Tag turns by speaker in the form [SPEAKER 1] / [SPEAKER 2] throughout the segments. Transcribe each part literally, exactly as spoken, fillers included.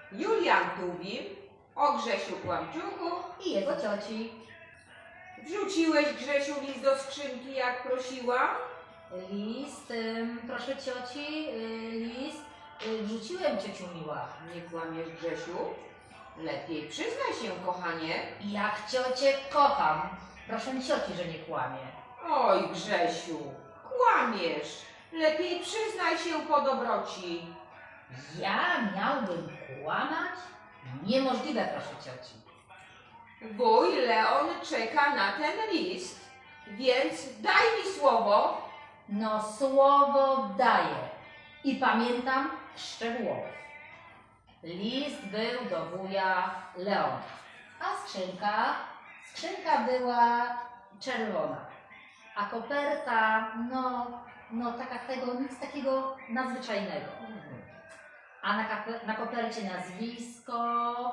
[SPEAKER 1] Julian Tuwim o Grzesiu Kłamczuchu.
[SPEAKER 2] I jego cioci.
[SPEAKER 1] Wrzuciłeś, Grzesiu, list do skrzynki, jak prosiłam?
[SPEAKER 2] List, ym, proszę cioci, y, list y, wrzuciłem, ciociu miła.
[SPEAKER 1] Nie kłamiesz, Grzesiu? Lepiej przyznaj się, kochanie.
[SPEAKER 2] Jak ciocię kocham. Proszę cioci, że nie kłamie.
[SPEAKER 1] Oj, Grzesiu, kłamiesz. Lepiej przyznaj się po dobroci.
[SPEAKER 2] Ja miałbym kłamać? Niemożliwe, proszę cioci.
[SPEAKER 1] Wuj Leon czeka na ten list, więc daj mi słowo.
[SPEAKER 2] No słowo daję i pamiętam szczegółowo. List był do wuja Leona, a skrzynka, skrzynka była czerwona, a koperta, no, no taka tego, nic takiego nadzwyczajnego. A na, kape, na kopercie nazwisko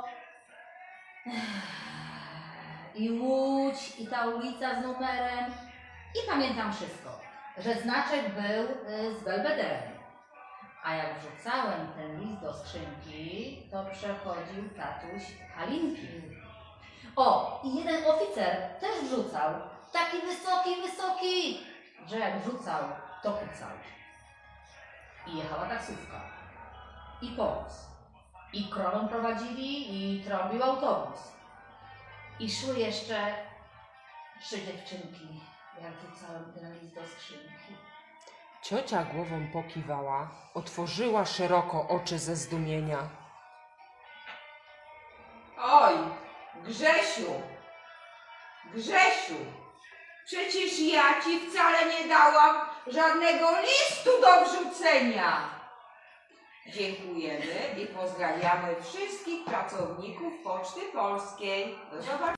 [SPEAKER 2] i łódź, i ta ulica z numerem. I pamiętam wszystko, że znaczek był y, z belwederem. A jak wrzucałem ten list do skrzynki, to przechodził tatuś Halinki. O, i jeden oficer też wrzucał. Taki wysoki, wysoki, że jak wrzucał, to kucał. I jechała taksówka. I powóz. I krowę prowadzili, i trąbił autobus. I szły jeszcze trzy dziewczynki, jak wrzucałem ten list do skrzynki.
[SPEAKER 3] Ciocia głową pokiwała, otworzyła szeroko oczy ze zdumienia.
[SPEAKER 1] Oj, Grzesiu, Grzesiu, przecież ja ci wcale nie dałam żadnego listu do wrzucenia. Dziękujemy i pozdrawiamy wszystkich pracowników Poczty Polskiej. Do zobaczenia.